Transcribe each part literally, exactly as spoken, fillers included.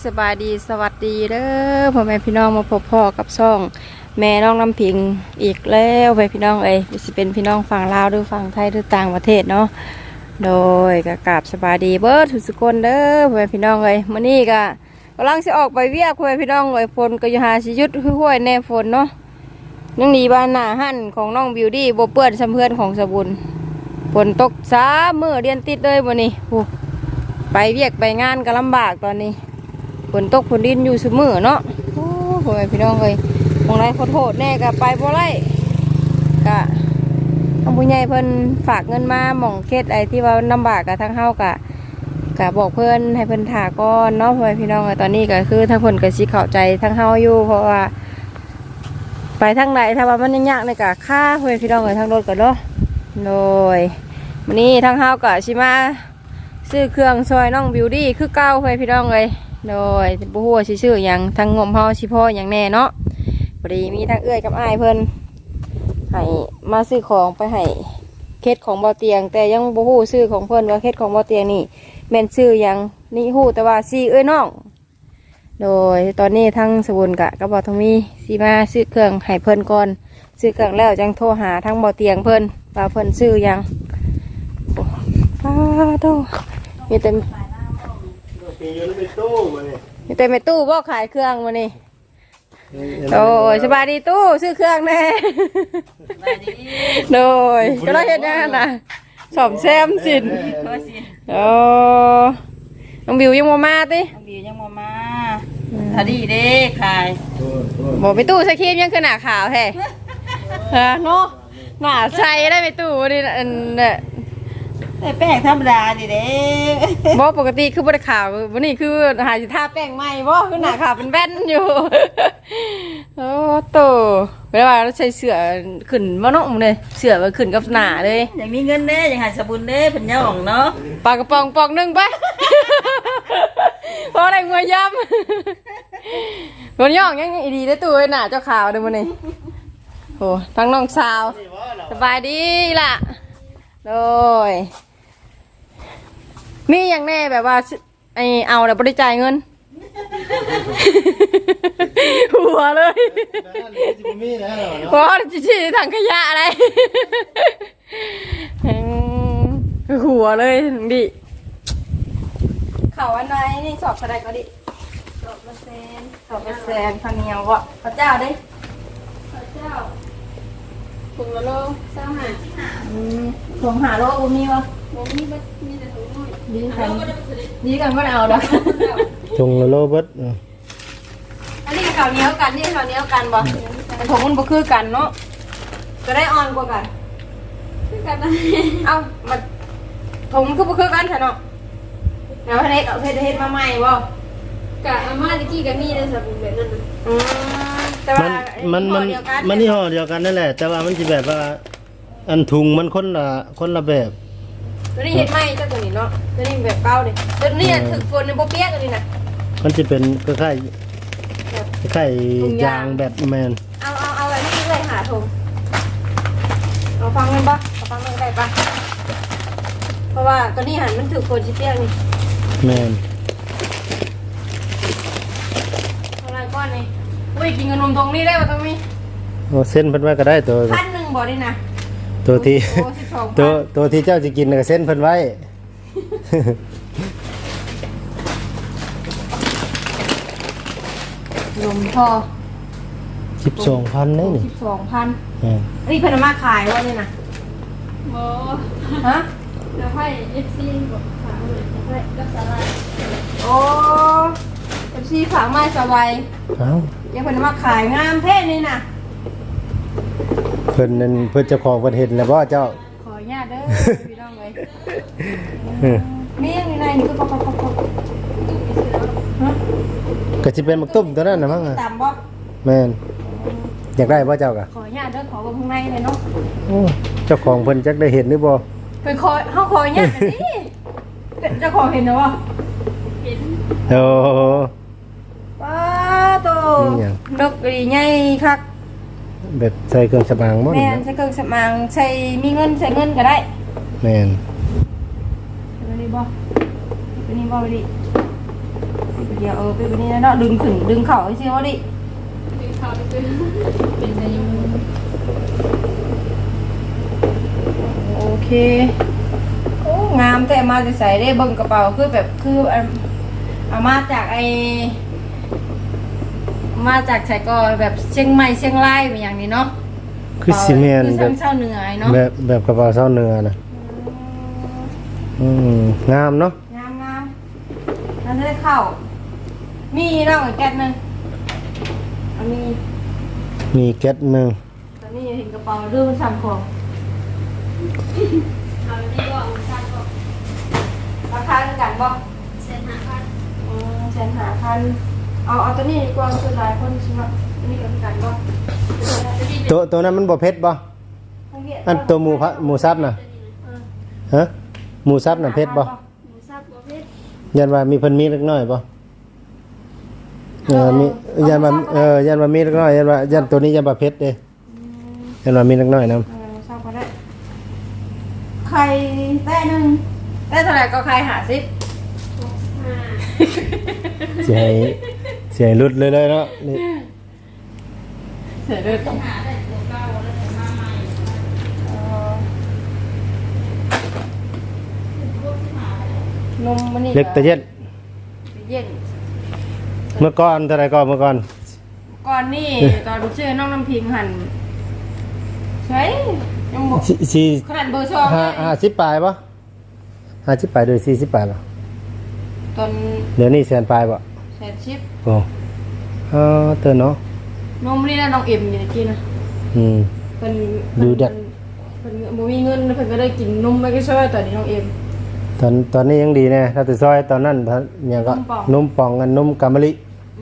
บายดีสวัสดีเด้อพ่อแม่พี่น้องมาพบพ่อกับช่องแม่น้องน้ำพิงอีกแล้วไปพี่น้องเอ้ยสิเป็นพี่น้องฝั่งลาวหรือฝั่งไทยหรือต่างประเทศเนาะโดยกะกราบสบายดีเบิร์ดทุกคนเด้อพ่อแม่พี่น้องเอ้ยมื้อนี้ก็กำลังสิออกไปเวียกพ่อแม่พี่น้องเอ้ยฝนก็อยู่หาสิหยุดห้วยแน่ฝนเนาะยังหนีบ้านหน้าหั่นของน้องบิวตี้บ่เปื้อนซ้ำเพื่อนของสบุญฝนตกสามมื้อเรียนติดเลยมื้อนี้โอ้ไปเวียกไปงานก็ลำบากตอนนี้ฝนตกฝนดินอยู่เสมอเนาะโอ้โหพี่น้องเลยมองไรขอโทษแน่ก็ไปบ่ไรกะทางผู้ใหญ่เพิ่นฝากเงินมาหม่องเคสไอ้ที่ว่าลำบากกับทางเฮากะกะบอกเพิ่นให้เพิ่นถาก่อนเนาะพ่อพี่น้องตอนนี้ก็คือทางเพิ่นก็สิเข้าใจทางเฮาอยู่เพราะว่าไปทางไหนถ้าว่ามันยากในกะค่าพ่อพี่น้องเลยทางรถก็เนาะโดยวันนี้ทางเฮากะสิมาซื้อเครื่องซอยน้องบิวตี้คือเก่าพ่อพี่น้องเลยโดยบุหัวชื่ออย่างทางงมเฮาชิพ่ออย่างแน่เนาะพอดีมีทางเอื้อยกับอ้ายเพิ่นให้มาซื้อของไปให้เคสของเบาเตียงแต่ยังบุหัวซื้อของเพิ่นว่าเคสของเบาเตียงนี่แม่นซื้ออย่างนี่หูแต่ว่าซีเอ้ยน้องโดยตอนนี้ทั้งสบุญกะกับเบาทองมีซีมาซื้อเครื่องให้เพิ่นก่อนซื้อเครื่องแล้วจังโทรหาทั้งเบาเตียงเพิ่นว่าเพิ่นซื้ออย่างป้าโตมีแต่มีแต่ไม่ตู้บ่ขายเครื่องมานี่โอ้ยสบายดีตู้ซื้อเครื่องแน่โดยก็เราเห็นยังไงนะสอบแซมสินโอ้น้องบิวยังมามาติน้องบิวยังมามาถ้าดีเด้ขายบอกไม่ตู้ใส่ครีมยังคือหน้าขาวแท้ฮะเนาะหน้าใส่ได้ไม่ตู้นี่อันเนี่ยแป้งธรรมดาดิเด้บ่ปกติคือบริขาววันนี้คือหาสิทาแป้งใหม่บ่คือหน้าขาวเป็นแว่นอยู่โอ้โตเวลาเราใช้เสื้อขึ้นมาเนาะเลยเสื้อมันขึ้นกับหน้าเลยอย่างมีเงินเด้อย่างหาสบุญเด้เพิ่นย่องเนาะปากกระป๋องปองนึงไปเพราะอะไรงวยย่ำคนย่องยังดีได้ตัวหน้าเจ้าขาวเด้อมื้อนี้โอ้ทั้งน้องสาวสบายดีล่ะโดยมีอย่างแน่แบบว่าไอเอาแต่บริจาคเงินหัวเลยเพราะจีจีถังขยะอะไรหัวเลยดิเข่าอันไหนนี่สอบอะไรก็ดิสอบเปอร์เซ็นต์สอบเปอร์เซ็นต์พันเนียววะพระเจ้าดิพระเจ้าถุงละโลเจ้าหาถุงหาโลอุมีวะมีบัดมีแต่ถุงน้อยดีกันดีกันก็เอาดอกถุงละโลบัดอันนี้ข้าวเหนียวกันนี่ข้าวเหนียวกันบ่แต่ถุงมันบ่คือกันเนาะจะได้อ่อนกว่ากันคือกันนะเอ้ามันถุงมันคือบ่คือกันใช่เนาะเดี๋ยวให้เอาเฮ็ดเฮ็ดมาใหม่บ่กะอาม่าตะกี้ก็มีได้สบู่แบบนั้นน่ะอืมแต่ว่ามันมันมันนี่ห่อเดียวกันนั่นแหละแต่ว่ามันสิแบบว่าอันถุงมันคนละคนละแบบตัวนี้เห็นไหมเจ้าตัวนี้เนาะตัวนี้แบบเก่าเลยตัวนี้ถึกฝนในโบเปียกตัวนี้นะมันจะเป็นคล้ายๆคล้ายๆยางแบบแมนเอาเอาเอาแบบนี้เลยหาถุงเอาฟังมันปะเอาฟังมันได้ปะเพราะว่าตัวนี้หันมันถึกฝนชิเปียกนี่แมนอะไรก้อนนี่อุ้ยกินขนมตรงนี้ได้ป่ะตรงนี้โอ้เส้นเพิ่นไว้ก็ได้ตัวพันหนึ่งบ่ได้นะตัวที่ตัวตัวที่เจ้าจะกินก็เส้นเพิ่นไว้ลมพอสิบสองพันนี่สิบสองพันนี่เพิ่นมาขายว่านี่นะโอ้ฮะแล้วให้เอฟซีบอกฝากเลยให้กับสลายโอ้เอฟซีฝากไม้สบายเอ้ายังเพิ่นมาขายงามแท้นี่นะเพิ่นนั่นเพิ่นเจ้าของเพิ่นเห็นแล้วบ่เจ้าขออนุญาตเด้อพี่น้องเอ้ยมีอย่างในนี่คือปอกๆๆฮะก็สิเป็นหมึกตุ้มตัวนั้นน่ะมั้งอ่ะตามบ่แม่นอยากได้บ่เจ้าก็ขออนุญาตเด้อขอบ่ข้างในเลยเนาะโอ้เจ้าของเพิ่นจักได้เห็นหรือบ่เพิ่นขอเฮาขออนุญาตดิเจ้าของเห็นแล้วบ่เห็นโอ้ป้าโตนกดีใหญ่คักแบบใส่เครื่องสำอางมั้งแม่นใส่เครื่องสำอางใส่มีเงินใส่เงินก็ได้แม่นตัวนี้บ่ตัวนี้บ่ไปดิเดียวเออไปวันนี้เนาะดึงขึ้นดึงเข่าไอ้เชี่ยวดิดึงเขาไปเป็นเป็นอายุโอเคโอ้งามแต่มาจะใส่ได้เบิ่งกระเป๋าคือแบบคือเอาเอามาจากไอมาจากใส่ก็แบบเชียงใหม่เชียงรายเป็นอย่างนี้เนาะคือซีเมนคือแบทาบงเช่าเหนือไอ้เนาะแบบแบบกระเป๋าเส้าเนื้อนะอืมงามเนาะงามงามนั่นจะได้เข้ามีเนาะอีกแก๊สหนึงอันนี้มีแก๊สหนึ่งตอนนี้เห็นกระเป๋าดื้อมันสั่งของเอาอันนี้ก็เอาสร้างก็ราคาเท่ากันบ่เส้นหาพันอืมแสนหาพันเอาเอาตัวนี้ดีกว่าคือหลายคนใช่ไหมอันนี้ก็เท่ากันบ่ตัวตัวนั้นมันบ่เผ็ดบ่อันตัวหมูพะหมูซับน่ะฮะหมูซับน่ะเผ็ดบ่หมูสับประเภทยันว่ามีเพิ่นมีเล็กน้อยบ่เออมียันว่าเออยันว่ามีเล็กน้อยยันว่ายันตัวนี้ยันว่าเผ็ดเด้ยันว่ามีเล็กน้อยนำเออชอบก็ได้ไข่แต้หนึ่งได้เท่าไหร่ก็ไข่หาสิบห้าสิให้สิให้หลุดเลยเลยเนาะนี่เสียด้วยต้องหาได้ตัวเก่าแล้วแต่มาใหม่นมมันนี่เล็กแต่เย็นเย็นเมื่อก่อนเท่าไหร่ก่อนเมื่อก่อนก่อนนี่ตอนชื่อน้องน้ำพิงหันใช่ยังบอกสิสี่ขนาดเบอร์สองห้าห้าสิบปลายป่ะห้าสิบปลายโดยสี่สิบปลายป่ะตอนเดี๋ยวนี้แสนปลายป่ะแสนชิปโอ้เออเตือนเนาะนมนี่นะน้องเอ็มอยู่ในกินนะอืมเพิ่นดูเด็กเพิ่นบ่มีเงินเพิ่นก็ได้กินนมไม่ก็ช่วยตอนนี้น้องเอ็มตอนตอนนี้ยังดีแน่ถ้าแต่ซอยตอนนั้นท่านเนี่ยก็นมป่องนมป่องกันนมกามะลิ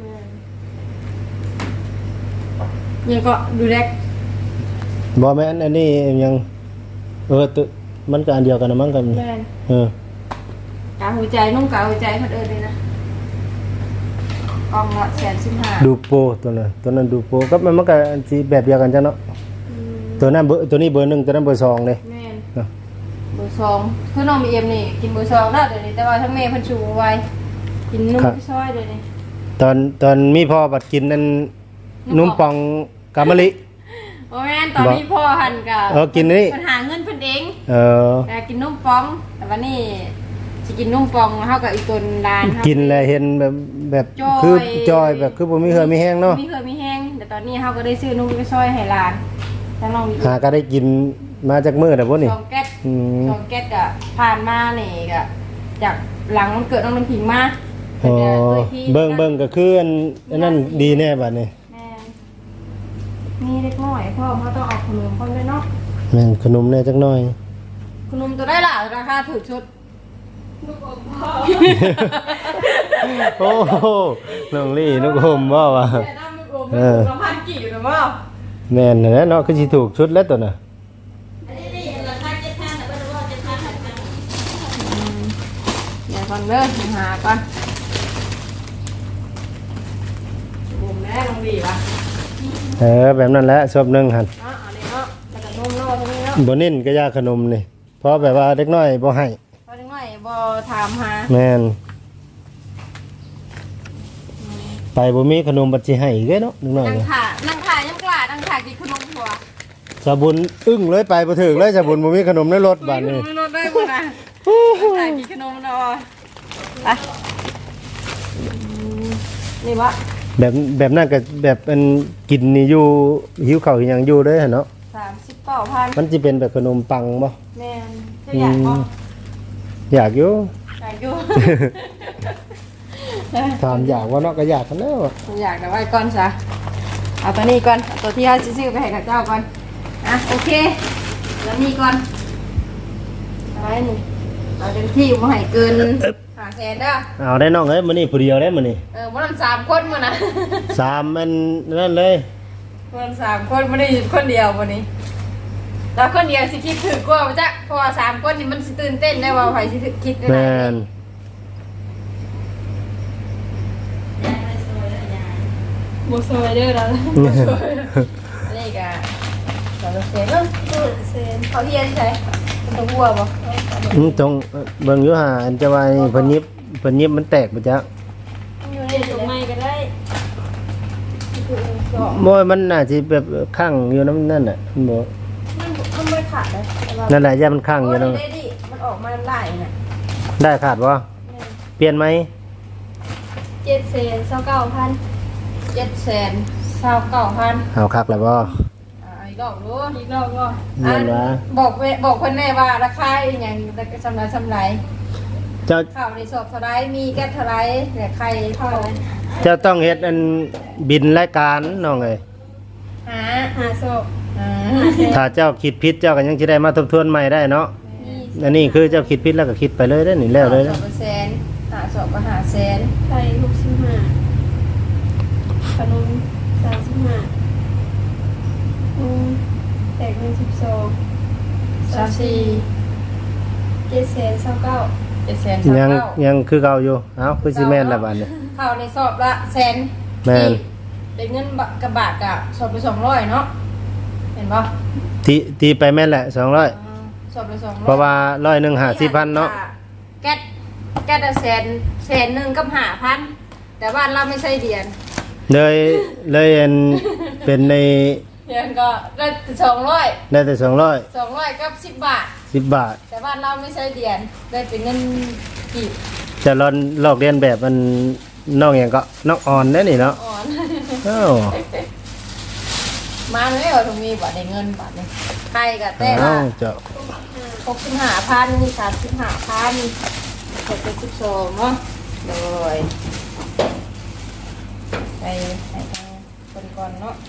ยังก็ดูแลบอแม่นอันนี้ยังเออตัวมันก็อันเดียวกันนะมั้งกันแม่นเออกาหัวใจนุ่มกาหัวใจเพิ่นเอิ้นเลยนะกล่องละแสนสิบห้าดูโปตัวนั้นตัวนั้นดูโปก็มันมันก็อันสิแบบเดียวกันจ้ะเนาะอืมตัวนั้นเบอร์ตัวนี้เบอร์หนึ่งตัวนั้นเบอร์สองเลยแม่นเนาะเบอร์สองคือน้องบีเอ็มนี่กินเบอร์สองแล้วเดี๋ยวนี้แต่ว่าทั้งแม่เพิ่นชูไว้กินนุ่มพี่ซอยเดี๋ยวนี้ตอนตอนมีพ่อบัดกินนั่นนนมมป่ป่ออง งกามะลิโอ้แม่นตอนนี้พ่อหันกับเออกินนี่เพิ่นหาเงินเพิ่นเองเออแต่กินนุ่มปอง แต่ว่านี่สิกินนุ่มปองเท่ากับอีกตัวดานกินแล้วเห็นแบบแบบจอยคือจอยแบบคือบ่มีเหือมีแห้งเนาะมีเคยมีแห้งแต่ตอนนี้เฮาก็ได้ซื้อนุ่มไปซอยให้หลานแล้วน้องมีหาก็ได้กินมาจากมื้อแต่บ่นี่สองแก๊สอืมสองแก๊สก็ผ่านมานี่ก็จากหลังมันเกิดน้องน้ำผิงมาอ๋อพิ่นก็อ้ยพี่เบิ่งเบิ่งก็คืออันอันนั้นดีแน่บัดนี้แม่นมีเล็กน้อยพ่อเขาต้องเอาขนมพ่อด้วยเนาะแม่นขนมแน่จักหน่อยขนมตัวได้ล่ะราคาถูกชุดลูกอมพ่อโอ้โหน้องลี่นุกอมบ่วะแต่น้ำมันโอมมันถูกละพันกี่อยู่นะว่าแม่นนั่นแหละเนาะคือสิถูกชุดแล้วตัวน่ะอันนี้นี่ราคาเจ็ดพันแต่ว่าเราเจ็ดพันหันกันเดี๋ยวก่อนเด้อหาก่อนบุ่มแม่ลงดีป่ะเออแบบนั้นแหละชอบหนึงหั่นเนาะอันนี้เนาะแล้วก็นมเนาะตรงนี้เนาะบ่เน้นก็ยาขนมนี่เพราะแบบว่าเด็กน้อยบ่ให้พอจังหน่อยบ่ถามหาแม่นไปบ่มีขนมบัดสิให้อีกเด้เนาะเด็กน้อยนั่งก็ขานั่งขายังกล้านั่งขากินขนมหัวสาบุญอึ้งเลยไปบ่ถึงเลยสาบุญบ่มีขนมในรถบัดนี้ไม่รถได้บ่นะนั่งขากินขนมเนาะไปอืมนี่วะแบบแบบนั้นก็แบบอันกินนี่อยู่หิวข้าวหิวหยังอยู่เด้อหั่นเนาะสามสิบเก้าพันมันสิเป็นแบบขนมปังบ่แม่นจะอยากบ่อยากอยู่อยากอยู่ถามอยากว่าเนาะก็อยากกันแล้วอะอยากแต่ว่าก่อนซะเอาตัวนี้ก่อนเอาตัวที่เขาซื้อไปให้กับเจ้าก่อนอ่ะโอเคแล้วนี่ก่อนอะไรนี่เอาเต็มที่บ่ให้เกินห้าแสนเด้อเอาได้น้องเอ้ยมื้อนี้ผู้เดียวได้มื้อนี้เออบ่นำสามคนมื้อนะสามอันนั่นเลยบ่นำสามคนบ่ได้อยู่คนเดียวมื้อนี้แล้วคนเดียวสิคิดถึกกว่าบ่จ๊ะเพราะว่าสามคนนี่มันสิตื่นเต้นได้ว่าไผสิคิดได้แม่นบ่ซอยเด้อล่ะบ่ซอยอันนี้ก็สองเซนเนาะเซนเขาเฮียนใช่มันต้องวัวบ่อืมตรงเอ่อเบิ่งอยู่หาอันจะว่านี่เพิ่นยิบเพิ่นยิบมันแตกบ่จ๊ะอยู่ในบ่มันน่าสิแบบข้างอยู่นำนั่นน่ะมันบ่มันมันไม่ขาดเลยแต่ว่านั่นแหละย่ามันข้างอโอ้ยู่ยนำได้ดิมันออกมาไล่น่ะได้ขาดบ่เปลี่ยนไหมเจ็ดแสนเศร้าเก้าพันเจ็ดแสนเศร้าเก้าพันเอาคักแล้วบ่อ่าอีกรอบรู้อีกรอบก็เงินวะบอกเวบอกคนแน่ว่าราคาอหย่างสำไรสำไรเจ้าข้าวในสอบเท่าไรมีแก๊สเท่าไรแต่ใครเท่าไรเจ้าต้องเฮ็ดอันบินรายการน้องเอ้ยหาหาศพอ่าถ้าเจ้าคิดผิดเจ้าก็ยังสิได้มาทบทวนใหม่ได้เนาะมีอันนี้คือเจ้าคิดผิดแล้วก็คิดไปเลยได้อนี่แล้วเลยสอนะบเปอร์เซ็นต์หาสอบก็หาแสนไข่หกสิบห้าขนมสามสิบห้าอืมแตกเงินสิบสองสามสี่เจ็ดแสนเศร้าเก้าเจ็ดแสนสามยังเก้ายังคือเก่าอยู่เอ้าคือสิแม่นละบัดนี้ข้าวในสอบละแสนแม่นได้เงินบะกระบาดกะสอบไปสองร้อยเนาะเห็นปะตีตีไปแม่นแหละสองร้อยอ่าสอบไปสองร้อยเพราะว่าร้อยหนึ่งหาสิบพันเนาะแก๊สแก๊สละแสนแสนหนึ่งกับหาพันแต่บ้านเราไม่ใช่เดียนเลยเลยอันเป็นในเดียนก็ได้สองร้อยได้แต่สองร้อยสองร้อยกับสิบบาทสิบบาทแต่บ้านเราไม่ใช่เดียนได้เป็นเงินกีบจะลอนลอกเรียนแบบมันน้องอย่างก็น้องอ่อนได้อนี่เนาะอ่อนอ้าวมาเลยว่าตรงนี้บาทในเงินบาทนี่ใครกับแต่อ้าละวเจ้าหกสิบห้าพันนี่สามสิบห้าพันหกเป็นสิบสองเนาะเลยไปไปทางคนก่อนเนาะ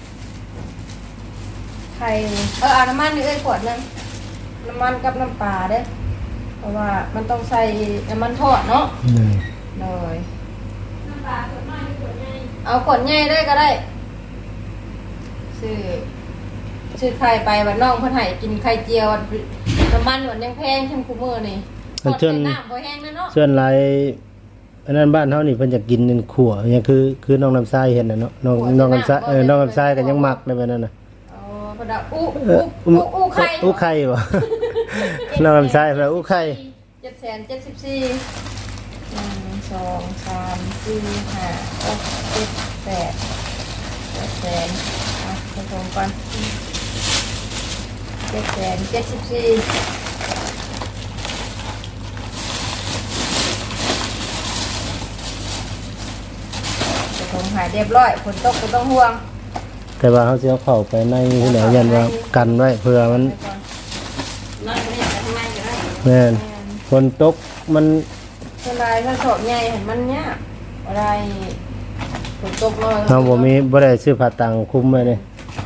ใครเออเอาน้ำมันนี่เอ้ยขวดหนึงน้ำมันกับน้ำปลาเด้อเพราะว่ามันต้องใส่น้ำมันทอดเนาะอืมเลยน้ำปลาขวดน้อยขวดใหญ่เอาขวดใหญ่ได้ก็ได้ซื้อซื้อไข่ไปวันน้องเพิ่นให้กินไข่เจียวน้ำมันหวานยังแพงทั้งคู่มือนี่ทอดใส่น้ำบ่แห้งนะเนาะส่วนหลายอันนั้นบ้านเฮานี่เพิ่นจะกินเป็นขั่วอย่างคือคือน้องน้ำทรายเห็นน่ะเนาะน้องน้องน้ำทรายเออน้องน้ำทรายก็ยังมักได้แบบนั้นน่ะอ๋อเพนว่าอู้เออู้ออู้อู้ไข่อู้ไข่บ่ น้องน้ำทรายเพิ่นว่าอู้ไข่เจ็ดแสนเจ็ดสิบสี่หนึ่งสองสามสี่ห้าหกเจ็ดแปดเจ็ดแสนอ่ะผสมก่อนเจ็ดแสนเจ็ดสิบสี่ผสมหายเรียบร้อยฝนตกก็ต้องห่วงแต่ว่าเขาสิเอาเข้าไปในที่ไหนยันว่ากันไว้เพื่อมันไปก่อนนั่งไม่อยากจะทำไมก็ได้แม่นฝนตกมันเวลาถ้าสอบใหญ่เห็นมันเนี้ยอะไรฝนตกเลยเฮาบ่มีบ่ได้ซื้อผ้าตังคุมไว้เลย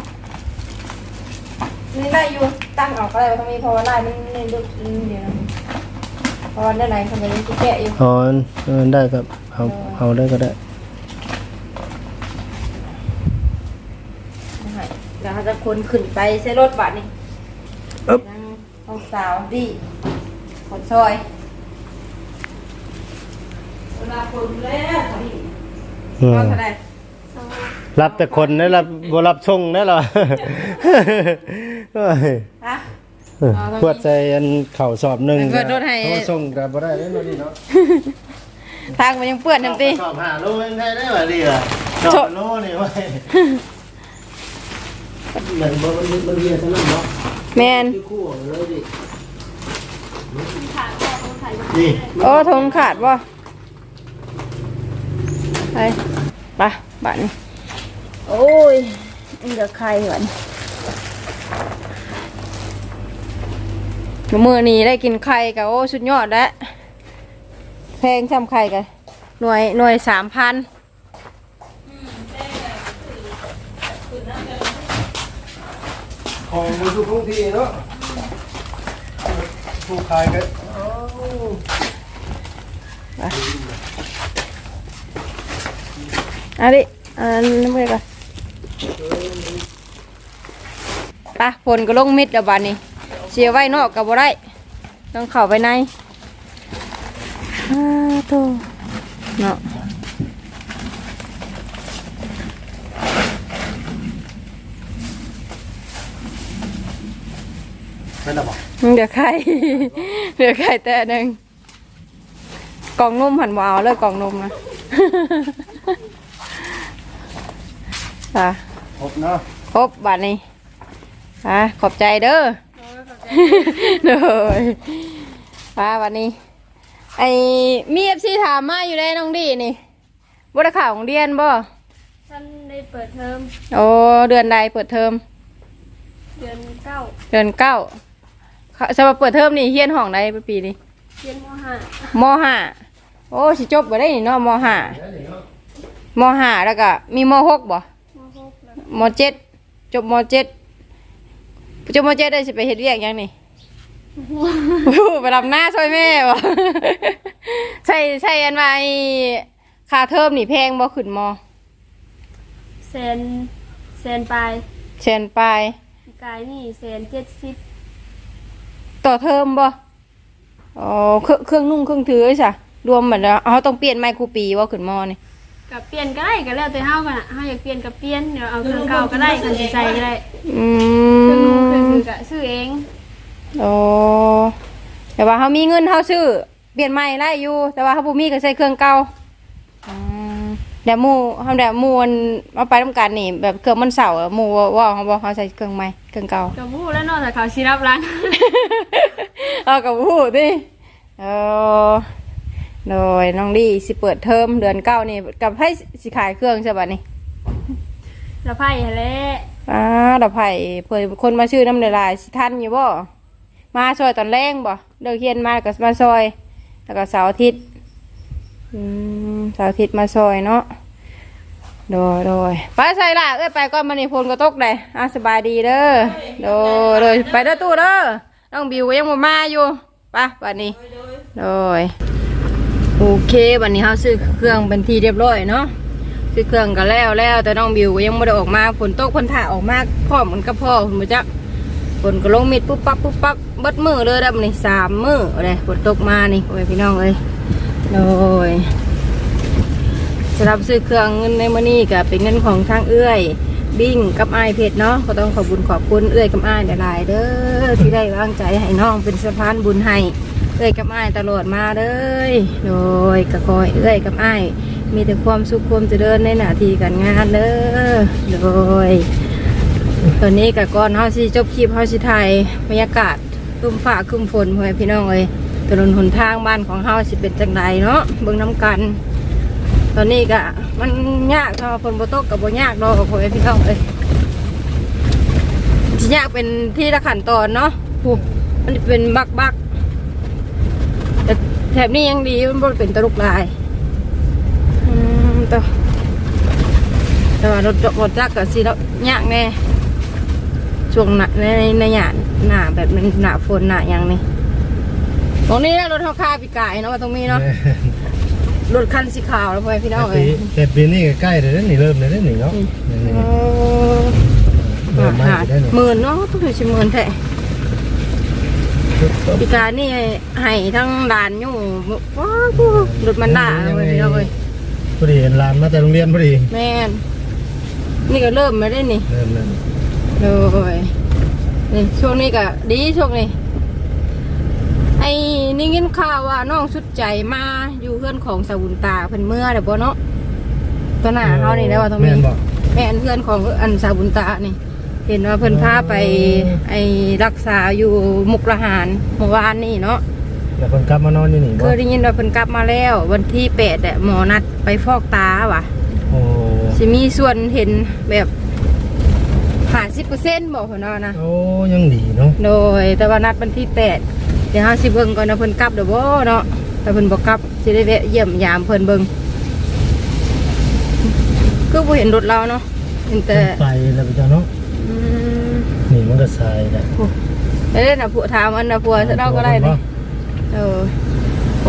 นี่ไล่อยู่ตั้งออกก็ได้ตรงนี้เพราะว่าไล่มันนี่ลึกเดียวนะเพราะว่าด้านในทำไมยังแกะอยู่อ๋อเออได้ครับเอาเอาได้ก็ได้เดี๋ยวเขาจะคนขึ้นไปใช้รถบัสนี่อึ๊บนั่งห้องสาวดีคนซอยเวลาคนแล้วสามีอืมเอาเท่าไหร่สองรับแต่คนนะรับบ่รับส่งนะเหรอ โอ้ยฮะขวดใส่อันเข่าสอบหนึงเปิดรถให้โทรส่งก็บ่ได้เด้อเนาะนี่เนาะทางมันยังเปื้อนน้ำตีสอบหาโลยังได้ได้ว่าดีล่ะสอบโลนี่ไว้เหมือนบ่มันมันเรียนทั้งนั้นเนาะแมนคือคู่เลยดิขาดก็ต้องใส่นี่โอ้ทงขาดบ่ไปไปบ้านนี้โอ้ยนี่เดี๋ยวใครก่อนมือนี้ได้กินไข่กับโอ้สุดยอดแล้วแพงช่ำไข่กันหน่วยหน่วยสามพันของมันทุกท้องที่เนาะผู้ขายก็เอาดิอันน้ำไปก่อนไปผลก็ลงมิดแล้วบ้านนี้เสียไว้นอกกับบ่ได้ต้องเข้าไปในอ้าโตเนาะไม่ได้บอกเดี๋ยวไข่ เดี๋ยวไข่แต่หนึ่งกล่องนมหันวาวเลยกล่องนมนะ ค่ะครบเนาะครบบัดนี้อ่ะขอบใจเด้อโอ้ยขอบใจเลยป้าวันนี้ไอ้มีเอฟซีถามมาอยู่ได้น้องดีนี่บริข่าวของเดือนบ่ท่านได้เปิดเทอมโอ้เดือนใดเปิดเทอมเดือนเก้าเดือนเก้าเขาสำหรับเปิดเทอมนี่เฮียนห้องใดปีนี้เรียนมห้ามห้าโอ้สิจบบ่ได้นี่เนาะมห้ามห้าแล้วก็มีมหกบ่มหกแล้วมเจ็ดจบมเจ็ดจบมเจ็ดได้สิไปเฮ็ดเวียกหยังนี่ ไปรับหน้าช่วยแม่บ่ ใช่ใช่อันว่าไอ้ค่าเทอมนี่แพงบ่ขึ้นมอแสนแสนปลายเชนปลายกายนี่แสนเจ็ดสิบต่อเทอมบ่อ๋อเครื่องเครื่องนุ่งเครื่องถือใช่รวมหมดแล้วเอาต้องเปลี่ยนไมค์ครูปีว่าขึ้นมอนี่กับเปลี่ยนก็ได้ก็แล้วแต่เฮากันอ่ะเฮาอยากเปลี่ยนกับเปลี่ยนเดี๋ยวเอาเครื่องเก่าก็ได้คันสิใส่ก็ได้อืเครื่องนู้นเครื่องมนึงก็ซื้อเองโอ้แต่ว่าเขามีเงินเขาซื้อเปลี่ยนใหม่ได้อยู่ แต่ว่าเขาบ่มีก็ใช้เครื่องเก่าอืมเดี๋ยวหมู่เฮาเดี๋ยวหมู่มันเอาไปทำการนี่แบบเครื่องมันเสาอะหมู่ว่าว่าเขาบอกเขาใช้เครื่องใหม่เครื่องเก่ากับผู้แล้วเนอกจากเขาสิรับหล้างเอากับพูดดิเออโดยน้องดีสิเปิดเทอมเดือนเก้านี่กับให้สิขายเครื่องใช่ป่ะนี่แล้วไผ่แหละอ่าดอกไผ่เผื่อคนมาชื่อน้ำลายลายสิทันอยู่บ่มาซอยตอนแรงบ่เลิกเฮียนมาก็มาซอย แล้วก็เสาร์อาทิตย์อืมเสาร์อาทิตย์มาซอยเนาะโดยโดยไปใส่ละเอ้ยไปก่อนมันนี่พลก็ตกเลยอ่ะสบายดีเด้อโดยโดยไปเด้อตู้เด้อน้องบิวก็ยังบ่มาอยู่ไปวันนี้โดยโอเควันนี้เขาซื้อเครื่องเป็นที่เรียบร้อยเนาะซื้อเครื่องก็แล้วแล้วแต่น้องบิวก็ยังไม่ได้ออกมาฝนตกฝนถ่าออกมาพร้อมมันก็พ่อคุณมาจักฝนก็ลงมิดปุ๊บปั๊บปุ๊บปั๊บเบิดมือเลยดับนี่สามมือเลยฝนตกมานี่โอ้ยพี่น้องเอ้ยโดยสำหรับซื้อเครื่องเงินในมื้อนี้ก็เป็นเงินของทางเอื้อยบิ้งกับอ้ายเพชรเนาะก็ต้องขอบคุญขอบคุณเอื้อยกับอ้ายหลายๆเด้อที่ได้วางใจให้น้องเป็นสะพานบุญให้เอื้อยกับอ้ายตลอดมาเลยโดยกะคอยเอื้อยกับอ้ายมีแต่ความสุขความเจริญในหน้าที่การงานเด้อโดยตอนนี้กับก่อนเฮาสิจบคลิปเฮาสิถ่ายบรรยากาศครึ้มฟ้าครึ้มฝนพ่อแม่พี่น้องเอ้ยถนนหนทางบ้านของเฮาสิเป็นจังไดเนาะเบิ่งน้ำกัน ตอนนี้ก็มันยากถ้าฝนบ่ตกก็บ่ยากดอกพ่อแม่พี่น้องเอ้ยสิยากเป็นที่ละขั้นตอนเนาะผู้มันเป็นบักบักๆแต่แถบนี้ยังดีมันบ่เป็นตะลุกลายอืมต่อแต่ว่ารถรถจักรก็สิแล้วยากแน่ช่วงหน้าในในหยาดหน้าแบบนั้นหน้าฝนหน้าหยังนี่ตรงนี้นะรถเฮาคาปีกายเนาะว่าตรงนี้เนาะรถคันสีขาวแล้วพ่อแม่พี่น้องเอ้ยแต่ปีนี้ก็ใกล้เลยนะนี่เริ่มเลยนะนี่เนาะนี่นี่โอ้เริ่มมาได้นี่หมื่นเนาะต้องถือชิหมื่นแท้ปีกายนี่ให้ทั้งด่านอยู่ว้าวรถมันด่าเลยพ่อแม่พี่น้องเอ้ยพอดีเห็นร้านมาแต่โรงเรียนพอดีแม่นนี่ก็เริ่มมาได้นี่เริ่มเลยเลยนี่ช่วงนี้ก็ดีช่วงนี้ไอ้นี่ยินข่าวว่าน้องสุดใจมาอยู่เพื่อนของสาวุนตาเพิ่นเมื่อเดี๋ยวบ่เนาะตัวหน้าเขานี่แล้วว่าตรงแม่นี้นบอกแม่นเพื่อนของอันสาวุนตานี่ เห็นว่าเพิ่นพาไปไอ้รักษาอยู่มุกดาหารเมื่อวานนี่เนาะแล้วคนกลับมานอนอยู่นี่เคบ่ยได้ยินว่าเพิ่นกลับมาแล้ว วันที่แปดอะหมอนัดไปฟอกตาว่ะโอ้สิมีส่วนเห็นแบบห้าสิบเปอร์เซ็นต์บอกเพิ่นว่านะโอ้ยังดีเนาะโดยแต่ว่านัดวันที่แปดเดี๋ยวห้าสิเบิ่งก่อนนะเพิ่นกลับเดี๋ยวบ่เนาะแต่เพิ่นบ่กลับสิได้แวะเยี่ยมยามเพิ่นเบิ่งคือบ่เห็นรถเราเนาะเห็นแต่ไปแล้วไปจ้าเนาะอืมนี่มันก็ทรายแหละเอ้ยน่ะผัวถามอันน่ะผัวเราก็ได้นี่เออโอ้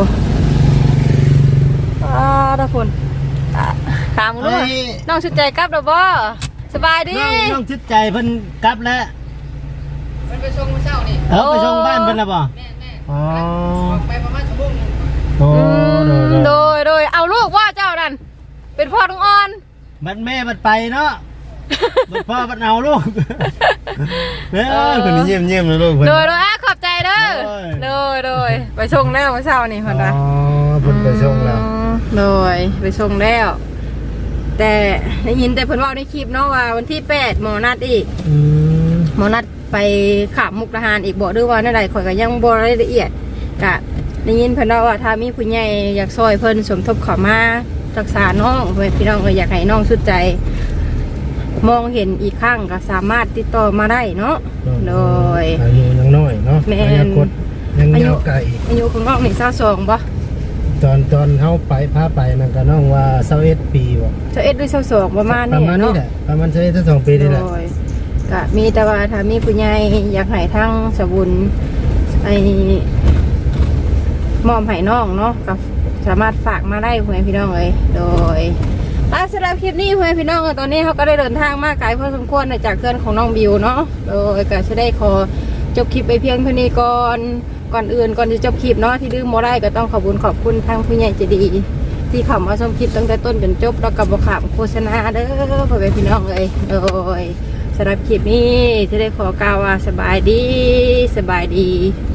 อ่าทุกคนอ่ะถามรู้ว่าน้องสุดใจกลับเดี๋ยวบ่สบายดีน้องน้องชิดใจเพิ่นกลับแล้วมันไปส่งมื้อเช้านี่เออไปส่งบ้านเพิ่นแล้วบ่แม่ๆอ๋อไปประมาณชั่วโมงนึงโอ้โดโดยยโดยเอาลูกว่าเจ้านั่นเป็นพ่อลุงอ่อนบัดแม่บัดไปเนาะบัดพ่อบัดเอาลูกเด้อคนนี้เยี่ยมเยี่ยมเลยลูกเพิ่นโดยโดยอ่ะขอบใจเด้อโดโดยยโดยไปส่งแล้วเมื่อเช้านี่อ๋พันละอเพิ่นไปส่งแล้วโดยไปส่งแล้วแต่ได้ยินแต่เพิ่นเว่าในคลิปเนาะว่าวันที่แปดหมอนัดอีกอืมหมอนัดไปขับมุกดาหารอีกบอกด้วยว่าในใดข่อยก็ยังบ่รายละเอียดกะได้ยินเพิ่นเล่าว่าถ้ามีผู้ใหญ่อยากซอยเพิ่นสมทบเข้ามารักษาน้องเพื่อนพี่น้องเอออยากให้น้องสุดใจ มองเห็นอีกครั้งก็สามารถติดต่อมาได้เนาะโดยอายุยังน้อยเนาะแม่นอนาคตยังยาวไกลอายุของน้องนี่เศร้าสองบ่ตอนตอนเฮาไปพาไปนั่นก็น้องว่ายี่สิบเอ็ดปีบ่เจ้าเอ็ดด้วยเศร้าสองประมาณปนี้ระมาณนี้เนาะแหละประมาณยี่สิบเอ็ดถึงสองปีนี่แหละโดยก็มีแต่ว่าถ้ามีผู้ใหญ่อยากให้ทั้งสบุญไอ้มอมให้น้องเนาะก็สามารถฝากมาได้เพื่อนพี่น้องเลยโดยอ่ะสำหรับคลิปนี้เพื่อนพี่น้องเอ้ยตอนนี้เขาก็ได้เดินทางมาไกลพอสมควรจากเพื่อนของน้องบิวเนาะโดยก็จะได้ขอจบคลิปไปเพียงเท่านี้ก่อนก่อนอื่นก่อนจะจบคลิปเนาะที่ดื้อโมได้ก็ต้องขอบคุณขอบคุณทางผู้ใหญ่ใจดี ที่เข้ามาชมคลิปตั้งแต่ต้นจนจบแล้วกับบขามโฆษณาเด้อพ่อแม่พี่น้องเลยโดยสำหรับคลิปนี้ที่ได้ขอกล่าวว่าสบายดีสบายดี